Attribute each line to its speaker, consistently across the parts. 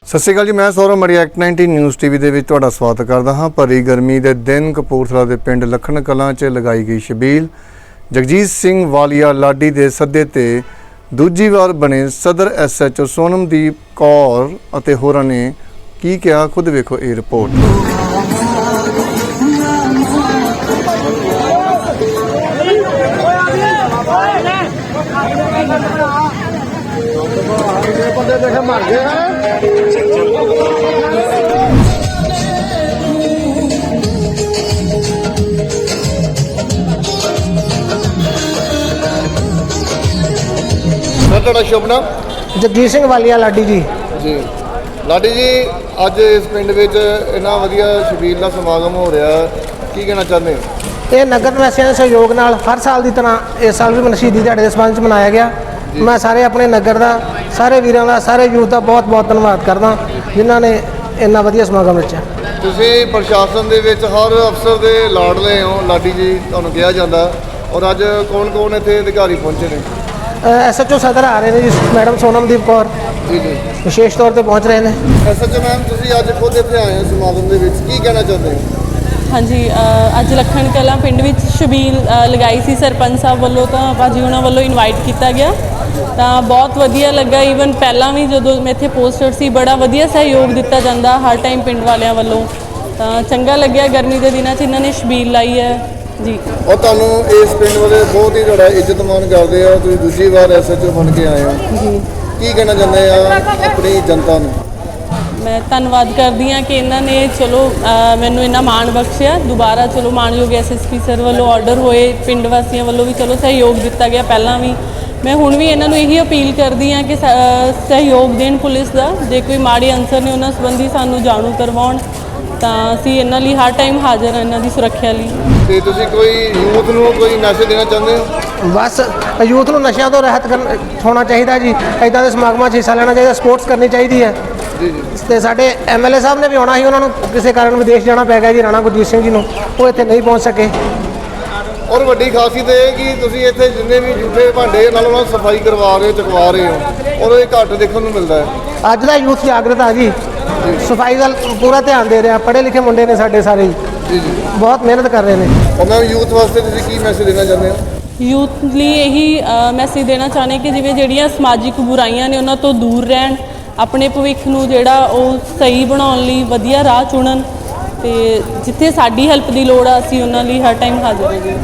Speaker 1: ਸਤਿ ਸ਼੍ਰੀ ਅਕਾਲ ਜੀ, ਮੈਂ ਸੌਰਵ ਮੜੀ ਐਕਟ 19 ਨਿਊਜ਼ ਟੀਵੀ ਦੇ ਵਿੱਚ ਤੁਹਾਡਾ ਸਵਾਗਤ ਕਰਦਾ ਹਾਂ। ਭਰੀ ਗਰਮੀ ਦੇ ਦਿਨ ਕਪੂਰਥਲਾ ਦੇ ਪਿੰਡ ਲਖਣ ਕਲਾਂ 'ਚ ਲਗਾਈ ਗਈ ਛਬੀਲ। ਜਗਜੀਤ ਸਿੰਘ ਵਾਲੀਆ ਲਾਡੀ ਦੇ ਸੱਦੇ ਤੇ ਦੂਜੀ ਵਾਰ ਬਣੇ ਸਦਰ SHO ਸੋਨਮਦੀਪ ਕੌਰ ਅਤੇ ਹੋਰਾਂ ਨੇ ਕੀ ਕਿਹਾ, ਖੁਦ ਵੇਖੋ ਇਹ ਰਿਪੋਰਟ। ਤੁਹਾਡਾ ਸ਼ੁਭ ਨਾਮ?
Speaker 2: ਜਗਜੀਤ ਸਿੰਘ ਵਾਲੀਆ ਲਾਡੀ ਜੀ।
Speaker 1: ਜੀ ਲਾਡੀ ਜੀ, ਅੱਜ ਇਸ ਪਿੰਡ ਵਿੱਚ ਇੰਨਾ ਵਧੀਆ ਛਬੀਲ ਦਾ ਸਮਾਗਮ ਹੋ ਰਿਹਾ, ਕੀ ਕਹਿਣਾ ਚਾਹੁੰਦੇ ਹੋ?
Speaker 2: ਇਹ ਨਗਰ ਨਿਵਾਸੀਆਂ ਦੇ ਸਹਿਯੋਗ ਨਾਲ ਹਰ ਸਾਲ ਦੀ ਤਰ੍ਹਾਂ ਇਸ ਸਾਲ ਵੀ ਸ਼ਹੀਦੀ ਦਿਹਾੜੇ ਦੇ ਸੰਬੰਧ 'ਚ ਮਨਾਇਆ ਗਿਆ। ਮੈਂ ਸਾਰੇ ਆਪਣੇ ਨਗਰ ਦਾ, ਸਾਰੇ ਵੀਰਾਂ ਦਾ, ਸਾਰੇ ਯੂਥ ਦਾ ਬਹੁਤ ਬਹੁਤ ਧੰਨਵਾਦ ਕਰਦਾ ਜਿਨ੍ਹਾਂ ਨੇ ਇੰਨਾ ਵਧੀਆ ਸਮਾਗਮ ਰਚਿਆ।
Speaker 1: ਤੁਸੀਂ ਪ੍ਰਸ਼ਾਸਨ ਦੇ ਵਿੱਚ ਹਰ ਅਫਸਰ ਦੇ ਲਾਡਲੇ ਹੋ ਲਾਡੀ ਜੀ, ਤੁਹਾਨੂੰ ਕਿਹਾ ਜਾਂਦਾ, ਔਰ ਅੱਜ ਕੌਣ ਇੱਥੇ ਅਧਿਕਾਰੀ ਪਹੁੰਚੇ ਨੇ?
Speaker 2: SHO ਸਦਰ ਆ ਰਹੇ ਨੇ ਜੀ, ਮੈਡਮ ਸੋਨਮਦੀਪ ਕੌਰ
Speaker 1: ਜੀ
Speaker 2: ਵਿਸ਼ੇਸ਼ ਤੌਰ ਤੇ ਪਹੁੰਚ ਰਹੇ ਨੇ।
Speaker 1: SHO ਮੈਮ, ਤੁਸੀਂ ਅੱਜ ਖੁਦ ਇੱਥੇ ਆਏ ਹੋ ਸਮਾਗਮ ਦੇ ਵਿੱਚ, ਕੀ ਕਹਿਣਾ ਚਾਹੁੰਦੇ ਹੋ?
Speaker 3: ਹਾਂਜੀ, ਅੱਜ ਲਖਣ ਕਲਾਂ ਪਿੰਡ ਵਿੱਚ ਛਬੀਲ ਲਗਾਈ ਸੀ ਸਰਪੰਚ ਸਾਹਿਬ ਵੱਲੋਂ, ਤਾਂ ਭਾਜੀ ਉਹਨਾਂ ਵੱਲੋਂ ਇਨਵਾਈਟ ਕੀਤਾ ਗਿਆ, ਤਾਂ ਬਹੁਤ ਵਧੀਆ ਲੱਗਾ। ਈਵਨ ਪਹਿਲਾਂ ਵੀ ਜਦੋਂ ਮੈਂ ਇੱਥੇ ਪੋਸਟਰ ਸੀ, ਬੜਾ ਵਧੀਆ ਸਹਿਯੋਗ ਦਿੱਤਾ ਜਾਂਦਾ ਹਰ ਟਾਈਮ ਪਿੰਡ ਵਾਲਿਆਂ ਵੱਲੋਂ, ਤਾਂ ਚੰਗਾ ਲੱਗਿਆ। ਗਰਮੀ ਦੇ ਦਿਨਾਂ 'ਚ ਇਹਨਾਂ ਨੇ ਛਬੀਲ ਲਾਈ ਹੈ ਜੀ।
Speaker 1: ਔਰ ਤੁਹਾਨੂੰ ਇਸ ਪਿੰਡ ਵਾਲੇ ਬਹੁਤ ਹੀ ਤੁਹਾਡਾ ਇੱਜ਼ਤ ਮਾਣ ਕਰਦੇ ਆ, ਤੁਸੀਂ ਦੂਜੀ ਵਾਰ SHO ਬਣ ਕੇ ਆਏ ਹੋ ਜੀ, ਕੀ ਕਹਿਣਾ ਚਾਹੁੰਦੇ ਆ ਆਪਣੀ ਜਨਤਾ ਨੂੰ?
Speaker 3: ਮੈਂ ਧੰਨਵਾਦ ਕਰਦੀ ਹਾਂ ਕਿ ਇਹਨਾਂ ਨੇ ਚਲੋ ਮੈਨੂੰ ਇੰਨਾ ਮਾਣ ਬਖਸ਼ਿਆ। ਦੁਬਾਰਾ ਚਲੋ ਮਾਣਯੋਗ SSP ਸਰ ਵੱਲੋਂ ਆਰਡਰ ਹੋਏ, ਪਿੰਡ ਵਾਸੀਆਂ ਵੱਲੋਂ ਵੀ ਚਲੋ ਸਹਿਯੋਗ ਦਿੱਤਾ ਗਿਆ ਪਹਿਲਾਂ ਵੀ। ਮੈਂ ਹੁਣ ਵੀ ਇਹਨਾਂ ਨੂੰ ਇਹੀ ਅਪੀਲ ਕਰਦੀ ਹਾਂ ਕਿ ਸਹਿਯੋਗ ਦੇਣ ਪੁਲਿਸ ਦਾ। ਜੇ ਕੋਈ ਮਾੜੇ ਅਨਸਰ ਨੇ ਉਹਨਾਂ ਸੰਬੰਧੀ ਸਾਨੂੰ ਜਾਣੂ ਕਰਵਾਉਣ, ਤਾਂ ਅਸੀਂ ਇਹਨਾਂ ਲਈ ਹਰ ਟਾਈਮ ਹਾਜ਼ਰ ਹਾਂ, ਇਹਨਾਂ ਦੀ ਸੁਰੱਖਿਆ ਲਈ।
Speaker 1: ਤੇ ਤੁਸੀਂ ਕੋਈ ਯੂਥ ਨੂੰ ਕੋਈ ਮੈਸੇਜ ਦੇਣਾ ਚਾਹੁੰਦੇ ਹੋ?
Speaker 2: ਬਸ ਯੂਥ ਨੂੰ ਨਸ਼ਿਆਂ ਤੋਂ ਰਹਿਤ ਹੋਣਾ ਚਾਹੀਦਾ ਜੀ, ਇੱਦਾਂ ਦੇ ਸਮਾਗਮਾਂ 'ਚ ਹਿੱਸਾ ਲੈਣਾ ਚਾਹੀਦਾ, ਸਪੋਰਟਸ ਕਰਨੀ ਚਾਹੀਦੀ ਹੈ ਜੀ। ਤੇ ਸਾਡੇ MLA ਸਾਹਿਬ ਨੇ ਵੀ ਆਉਣਾ ਸੀ, ਉਹਨਾਂ ਨੂੰ ਕਿਸੇ ਕਾਰਨ ਵਿਦੇਸ਼ ਜਾਣਾ ਪੈ ਗਿਆ ਜੀ, ਰਾਣਾ ਗੁਰਜੀਤ ਸਿੰਘ ਜੀ ਨੂੰ, ਉਹ ਇੱਥੇ ਨਹੀਂ ਪਹੁੰਚ ਸਕੇ।
Speaker 1: ਔਰ ਵੱਡੀ ਖਾਸੀਅਤ ਇਹ ਕਿ ਤੁਸੀਂ ਇੱਥੇ ਜਿੰਨੇ ਵੀ ਜੂਠੇ ਭਾਂਡੇ ਨਾਲ ਉਹਨਾਂ ਸਫਾਈ ਕਰਵਾ ਰਹੇ ਹੋ, ਚੁਕਵਾ ਰਹੇ ਹੋ, ਔਰ ਇਹ ਘੱਟ ਦੇਖਣ ਨੂੰ ਮਿਲਦਾ ਹੈ।
Speaker 2: ਅੱਜ ਦਾ ਯੂਥ ਜਾਗਰਤ ਆ ਜੀ, ਸਫਾਈ ਦਾ ਪੂਰਾ ਧਿਆਨ ਦੇ ਰਿਹਾ, ਪੜ੍ਹੇ ਲਿਖੇ ਮੁੰਡੇ ਨੇ ਸਾਡੇ ਸਾਰੇ ਜੀ, ਬਹੁਤ ਮਿਹਨਤ ਕਰ ਰਹੇ ਨੇ।
Speaker 1: ਔਰ ਮੈਂ ਯੂਥ ਵਾਸਤੇ ਤੁਸੀਂ ਕੀ ਮੈਸੇਜ ਦੇਣਾ ਚਾਹੁੰਦੇ ਹੋ?
Speaker 3: ਯੂਥ ਲਈ ਇਹੀ ਮੈਸੇਜ ਦੇਣਾ ਚਾਹੁੰਦੇ ਕਿ ਜਿਵੇਂ ਜਿਹੜੀਆਂ ਸਮਾਜਿਕ ਬੁਰਾਈਆਂ ਨੇ ਉਹਨਾਂ ਤੋਂ ਦੂਰ ਰਹਿਣ, ਆਪਣੇ ਭਵਿੱਖ ਨੂੰ ਜਿਹੜਾ ਉਹ ਸਹੀ ਬਣਾਉਣ ਲਈ ਵਧੀਆ ਰਾਹ ਚੁਣਨ, ਤੇ ਜਿੱਥੇ ਸਾਡੀ ਹੈਲਪ ਦੀ ਲੋੜ ਆ ਅਸੀਂ ਉਹਨਾਂ ਲਈ ਹਰ ਟਾਈਮ ਹਾਜ਼ਰ ਹਾਂ ਜੀ।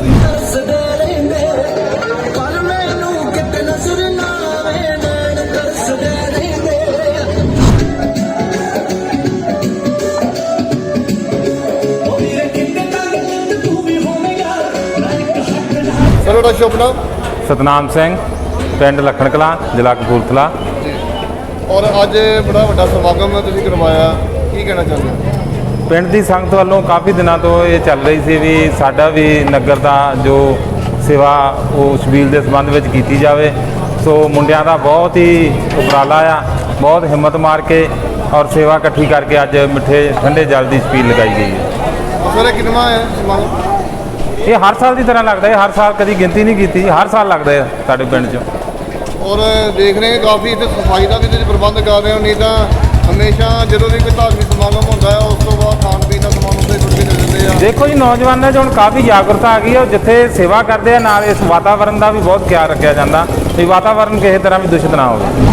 Speaker 1: ਤੁਹਾਡਾ ਸ਼ੁਭ ਨਾਮ?
Speaker 4: ਸਤਨਾਮ ਸਿੰਘ, ਪਿੰਡ ਲਖਣ ਕਲਾਂ, ਜ਼ਿਲ੍ਹਾ ਕਪੂਰਥਲਾ।
Speaker 1: ਔਰ ਅੱਜ ਬੜਾ ਵੱਡਾ ਸਮਾਗਮ ਤੁਸੀਂ ਕਰਵਾਇਆ, ਕੀ ਕਹਿਣਾ ਚਾਹੁੰਦੇ ਹੋ?
Speaker 4: ਪਿੰਡ ਦੀ ਸੰਗਤ ਵੱਲੋਂ ਕਾਫੀ ਦਿਨਾਂ ਤੋਂ ਇਹ ਚੱਲ ਰਹੀ ਸੀ ਵੀ ਸਾਡਾ ਵੀ ਨਗਰ ਦਾ ਜੋ ਸੇਵਾ ਉਹ ਛਬੀਲ ਦੇ ਸੰਬੰਧ ਵਿੱਚ ਕੀਤੀ ਜਾਵੇ। ਸੋ ਮੁੰਡਿਆਂ ਦਾ ਬਹੁਤ ਹੀ ਉਪਰਾਲਾ ਆ, ਬਹੁਤ ਹਿੰਮਤ ਮਾਰ ਕੇ ਔਰ ਸੇਵਾ ਇਕੱਠੀ ਕਰਕੇ ਅੱਜ ਮਿੱਠੇ ਠੰਡੇ ਜਲ ਦੀ ਛਬੀਲ ਲਗਾਈ ਗਈ ਹੈ।
Speaker 1: ਸਰ ਕਿੰਨਾ ਹੈ ਸਮਾਗਮ?
Speaker 4: ਇਹ ਹਰ ਸਾਲ ਦੀ ਤਰ੍ਹਾਂ ਲੱਗਦਾ ਹੈ, ਹਰ ਸਾਲ ਕਦੀ ਗਿਣਤੀ ਨਹੀਂ ਕੀਤੀ, ਹਰ ਸਾਲ ਲੱਗਦਾ ਹੈ ਸਾਡੇ ਪਿੰਡ 'ਚ।
Speaker 1: ਔਰ ਦੇਖ ਰਹੇ ਕਾਫੀ ਇੱਥੇ ਸਫਾਈ ਦਾ ਵੀ ਤੁਸੀਂ ਪ੍ਰਬੰਧ ਕਰ ਰਹੇ ਹੋ, ਨਹੀਂ ਤਾਂ ਹਮੇਸ਼ਾ ਜਦੋਂ ਵੀ ਕੋਈ ਧਾਰਮਿਕ ਸਮਾਗਮ ਹੁੰਦਾ ਹੈ ਉਸ ਤੋਂ ਬਾਅਦ ਖਾਣ ਪੀਣ ਦਾ ਸਮਾਨ ਉੱਥੇ ਛੁੱਟ ਕੇ ਦਿੰਦੇ ਆ।
Speaker 4: ਦੇਖੋ ਜੀ, ਨੌਜਵਾਨਾਂ 'ਚ ਹੁਣ ਕਾਫੀ ਜਾਗਰੂਕਤਾ ਆ ਗਈ ਹੈ, ਜਿੱਥੇ ਸੇਵਾ ਕਰਦੇ ਆ ਨਾਲ ਇਸ ਵਾਤਾਵਰਨ ਦਾ ਵੀ ਬਹੁਤ ਖਿਆਲ ਰੱਖਿਆ ਜਾਂਦਾ ਵੀ ਵਾਤਾਵਰਨ ਕਿਸੇ ਤਰ੍ਹਾਂ ਵੀ ਦੂਸ਼ਿਤ ਨਾ ਹੋਵੇ।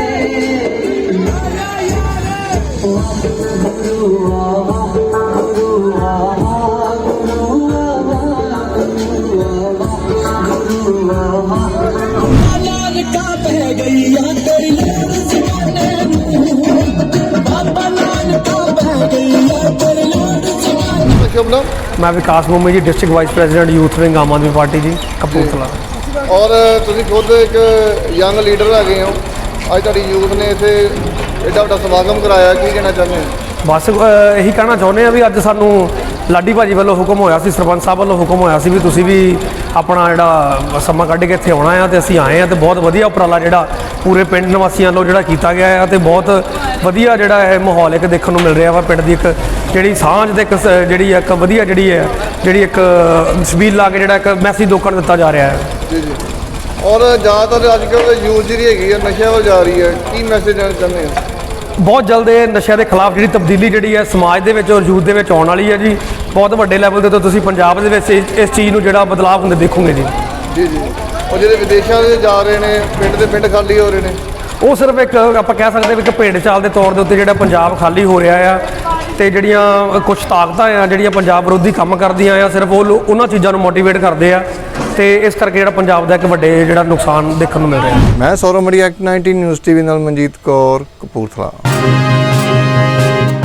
Speaker 1: ਸ਼ੁਭ ਨਾਮ?
Speaker 2: ਮੈਂ Vikas Mummi ji, district vice president youth wing Aam Aadmi Party ji, Kapurthala.
Speaker 1: ਔਰ ਤੁਸੀਂ ਖੁਦ ਇੱਕ ਯੰਗ ਲੀਡਰ ਹੈਗੇ ਹੋ, ਅੱਜ ਤੁਹਾਡੀ ਯੂਥ ਨੇ ਇੱਥੇ ਐਡਾ ਵੱਡਾ ਸਮਾਗਮ ਕਰਾਇਆ, ਕੀ ਕਹਿਣਾ ਚਾਹੁੰਦੇ ਹੋ?
Speaker 5: ਬਸ ਇਹੀ ਕਹਿਣਾ ਚਾਹੁੰਦੇ ਆ ਵੀ ਅੱਜ ਸਾਨੂੰ ਲਾਡੀ ਭਾਜੀ ਵੱਲੋਂ ਹੁਕਮ ਹੋਇਆ ਸੀ, ਸਰਪੰਚ ਸਾਹਿਬ ਵੱਲੋਂ ਹੁਕਮ ਹੋਇਆ ਸੀ ਵੀ ਤੁਸੀਂ ਵੀ ਆਪਣਾ ਜਿਹੜਾ ਸਮਾਂ ਕੱਢ ਕੇ ਇੱਥੇ ਆਉਣਾ ਆ, ਤੇ ਅਸੀਂ ਆਏ ਆ। ਤੇ ਬਹੁਤ ਵਧੀਆ ਉਪਰਾਲਾ ਜਿਹੜਾ ਪੂਰੇ ਪਿੰਡ ਨਿਵਾਸੀਆਂ ਵੱਲੋਂ ਜਿਹੜਾ ਕੀਤਾ ਗਿਆ ਹੈ, ਤੇ ਬਹੁਤ ਵਧੀਆ ਜਿਹੜਾ ਇਹ ਮਾਹੌਲ ਇੱਕ ਦੇਖਣ ਨੂੰ ਮਿਲ ਰਿਹਾ ਵਾ। ਪਿੰਡ ਦੀ ਇੱਕ ਜਿਹੜੀ ਸਾਂਝ ਤੇ ਇੱਕ ਜਿਹੜੀ ਇੱਕ ਵਧੀਆ ਜਿਹੜੀ ਇੱਕ ਛਬੀਲ ਲਾ ਕੇ ਜਿਹੜਾ ਇੱਕ ਮੈਸੇਜ ਲੋਕਾਂ ਨੂੰ ਦਿੱਤਾ ਜਾ ਰਿਹਾ ਹੈ।
Speaker 1: ਜੀ ਜੀ। ਔਰ ज़्यादातर अजकल यूथ जी हैगी है नशे वाल जा रही है, की मैसेज देना चाहते हैं?
Speaker 5: ਬਹੁਤ ਜਲਦ ਇਹ ਨਸ਼ਿਆਂ ਦੇ ਖਿਲਾਫ ਜਿਹੜੀ ਤਬਦੀਲੀ ਜਿਹੜੀ ਹੈ ਸਮਾਜ ਦੇ ਵਿੱਚ ਔਰ ਯੂਥ ਦੇ ਵਿੱਚ ਆਉਣ ਵਾਲੀ ਹੈ ਜੀ। ਬਹੁਤ ਵੱਡੇ ਲੈਵਲ ਦੇ ਤੋਂ ਤੁਸੀਂ ਪੰਜਾਬ ਦੇ ਵਿੱਚ ਇਸ ਚੀਜ਼ ਨੂੰ ਜਿਹੜਾ ਬਦਲਾਅ ਹੁੰਦੇ ਦੇਖੋਗੇ ਜੀ।
Speaker 1: ਜੀ ਜੀ, ਉਹ ਜਿਹੜੇ ਵਿਦੇਸ਼ਾਂ ਦੇ ਜਾ ਰਹੇ ਨੇ, ਪਿੰਡ ਦੇ ਪਿੰਡ ਖਾਲੀ ਹੋ ਰਹੇ ਨੇ,
Speaker 5: ਉਹ ਸਿਰਫ ਇੱਕ ਆਪਾਂ ਕਹਿ ਸਕਦੇ ਵੀ ਇੱਕ ਭੇਡ ਚਾਲ ਦੇ ਤੌਰ ਦੇ ਉੱਤੇ ਜਿਹੜਾ ਪੰਜਾਬ ਖਾਲੀ ਹੋ ਰਿਹਾ ਆ, ਤੇ ਜਿਹੜੀਆਂ ਕੁਝ ਤਾਕਤਾਂ ਆ ਜਿਹੜੀਆਂ ਪੰਜਾਬ ਵਿਰੋਧੀ ਕੰਮ ਕਰਦੀਆਂ ਆ, ਸਿਰਫ ਉਹ ਉਹਨਾਂ ਚੀਜ਼ਾਂ ਨੂੰ ਮੋਟੀਵੇਟ ਕਰਦੇ ਆ, ਤੇ ਇਸ ਕਰਕੇ ਜਿਹੜਾ ਪੰਜਾਬ ਦਾ ਇੱਕ ਵੱਡੇ ਜਿਹੜਾ ਨੁਕਸਾਨ ਦੇਖਣ ਨੂੰ ਮਿਲ ਰਿਹਾ।
Speaker 1: ਮੈਂ ਸੌਰਵ ਮੜੀ, ਐਕਟ 19 ਨਿਊਜ਼ ਟੀਵੀ ਨਾਲ ਮਨਜੀਤ ਕੌਰ, ਕਪੂਰਥਲਾ।